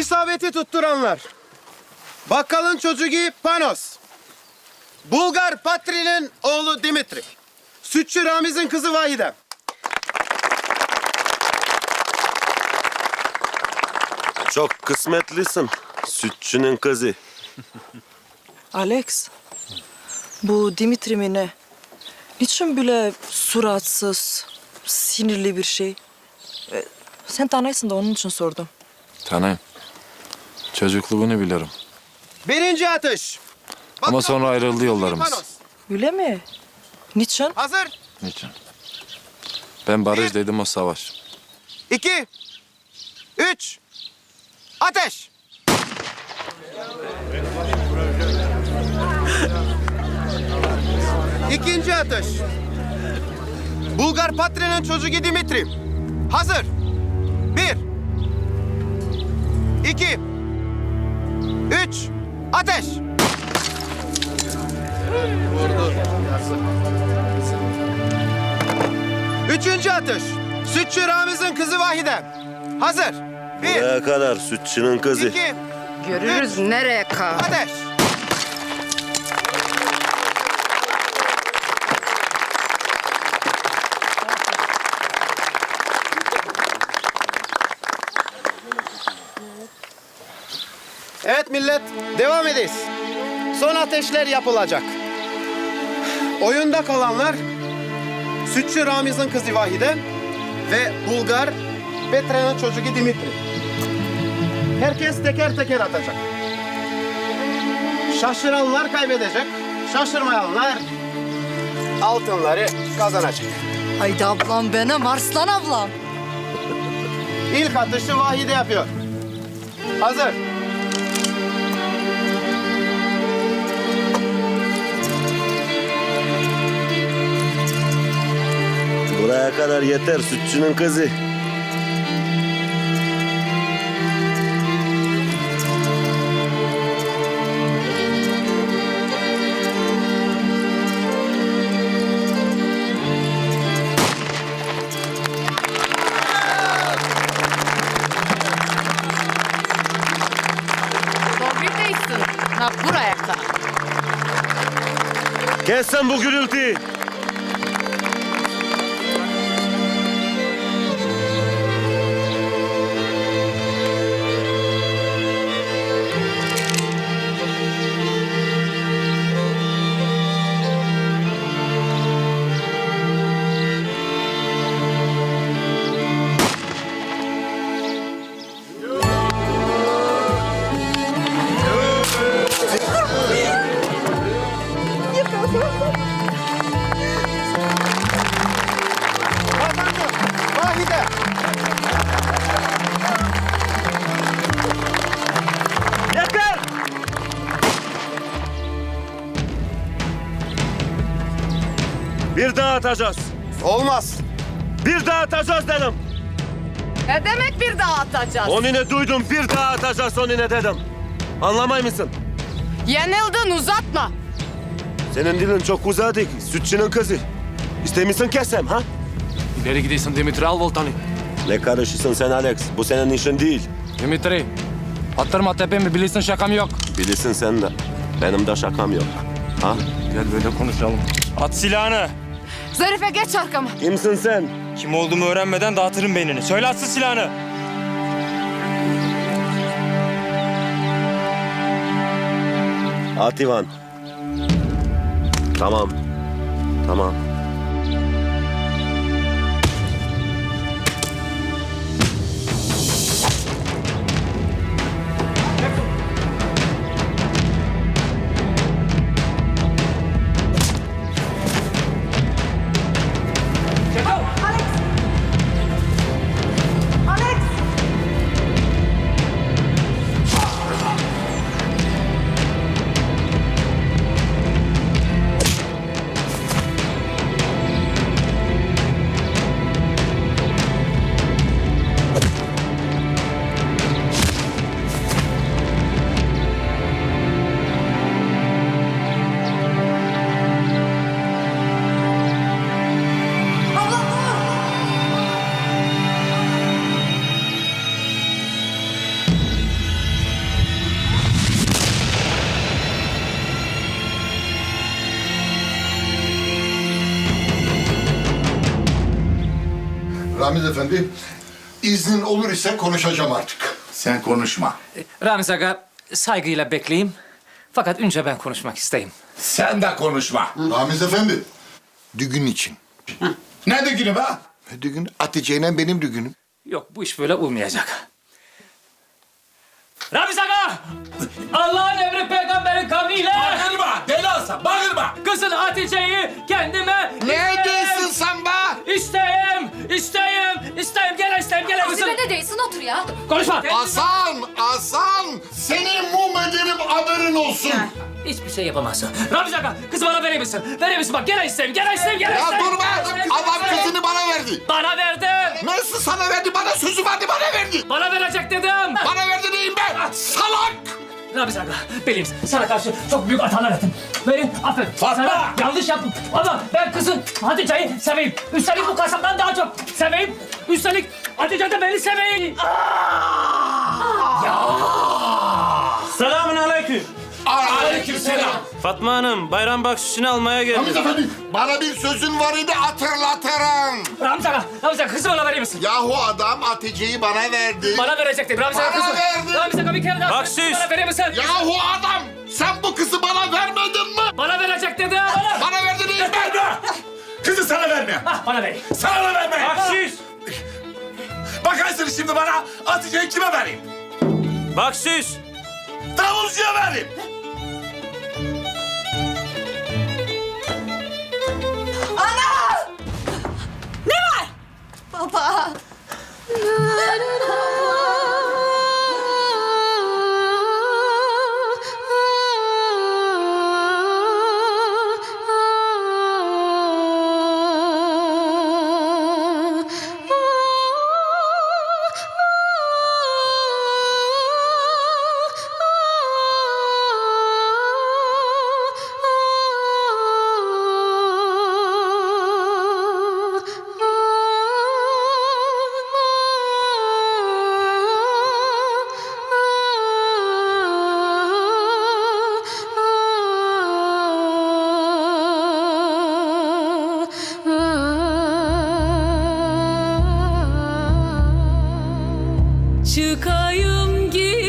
İsabeti tutturanlar. Bakkalın çocuğu Panos. Bulgar Patri'nin oğlu Dimitri. Sütçü Ramiz'in kızı Vahide. Çok kısmetlisin. Sütçünün kızı. Alex, bu Dimitri mi ne? Niçin böyle suratsız, sinirli bir şey? Sen tanıyorsun da onun için sordum. Tanıyım. Çocukluğunu bilirim. Birinci atış. Ama sonra ayrıldı yollarımız. Panos. Öyle mi? Niçin? Hazır. Niçin? Ben barış dedim, o savaş. 2, 3, ateş. İkinci atış. Bulgar Patri'nin çocuğu Dimitri. Hazır. 1, 2, 3, ateş. Üçüncü atış. Sütçü Ramiz'in kızı Vahide. Hazır. 1, Buraya kadar sütçünün kızı. 2, Görürüz nereye kal. ateş. Evet millet, devam edeyiz. Son ateşler yapılacak. Oyunda kalanlar Sütçü Ramiz'in kızı Vahide ve Bulgar Petra'nın çocuğu Dimitri. Herkes teker teker atacak. Şaşıranlar kaybedecek, şaşırmayanlar altınları kazanacak. Haydi ablam benim, Arslan ablam. İlk atışı Vahide yapıyor. Hazır. Buraya kadar yeter sütçünün kızı. Doğru değilsin. Ha buraya kal. Kes sen bu gürültüyü. Kazandı. Vahide. Yeter! Bir daha atacağız. Olmaz. Bir daha atacağız dedim. Ne demek bir daha atacağız? Onu ne duydum, bir daha atacağız onu ne dedim. Anlamay mısın? Yenildin, uzatma. Senin dilin çok uzadı. Sütçünün kızı. İstemişsin kesem ha? İleri gidiyorsun Dimitri, al voltanı. Ne karışırsın sen Alex? Bu senin işin değil. Dimitri, attırma tepemi, bilirsin şakam yok. Bilirsin sen de. Benim de şakam yok. Ha? Gel böyle konuşalım. At silahını. Zarife geç arkama. Kimsin sen? Kim olduğumu öğrenmeden dağıtırım beynini. Söyle atsın silahını. At Ivan. Tamam. Tamam. Ramiz Efendi, iznin olur ise konuşacağım artık. Sen konuşma. Ramiz Aga, saygıyla bekleyeyim. Fakat önce ben konuşmak isteyeyim. Sen de konuşma. Ramiz Efendi, düğün için. Ne düğünü be? Düğün Hatice ile benim düğünüm. Yok, bu iş böyle olmayacak. Ramiz Aga! Allah'ın emri peygamberin kavliyle... Bağırma, deli olsa bağırma. Kızın Hatice'yi kendime... Ne diyorsun sen be? İsteyim, gel isteyim, gel kızım. Ne değilsin otur ya. Konuşma. Hasan, seni mum ederim haberin olsun. Hiçbir şey yapamazsın. Ramiz Aga, kızı bana verir misin? Verir misin? Bak, gel isteyim. Ya dur be, adam kızını bana verdi. Bana verdin. Nasıl sana verdi, bana sözü verdi, bana verdi. Bana verecek dedim. Bana verdi neyim ben? Salak! Ramiz Aga, benim sana karşı çok büyük hatalar ettim. Beni affet. Fatma! Sana yanlış yaptım. Ama ben kızı Hatice'yi seveyim. Üstelik bu kasaptan daha çok seveyim. Üstelik Hatice de beni seveyim. Selamun aleyküm. Aleykümselam. Fatma Hanım, bayram bahşişini almaya Ramiz geldim. Efendi, bana bir sözün var idi hatırlatırım. Ramiz Aga, kızı bana verir misin? Yahu adam Hatice'yi bana verdi. Bana verecektin. Ramiz Aga, Bana kızı. verdi. Ramiz Aga, bir kere daha Bahşiş. bana verir misin? Yahu adam, sen bu kızı bana vermedin mi? Bana verecek dedim. Bana verdi neyim ben? Kızı sana verme. Bana ver. Sana da verme. Bahşiş! Bakarsın şimdi bana Hatice'yi kime vereyim? Bahşiş! Davulcuya vereyim. Baba. Çıkayım git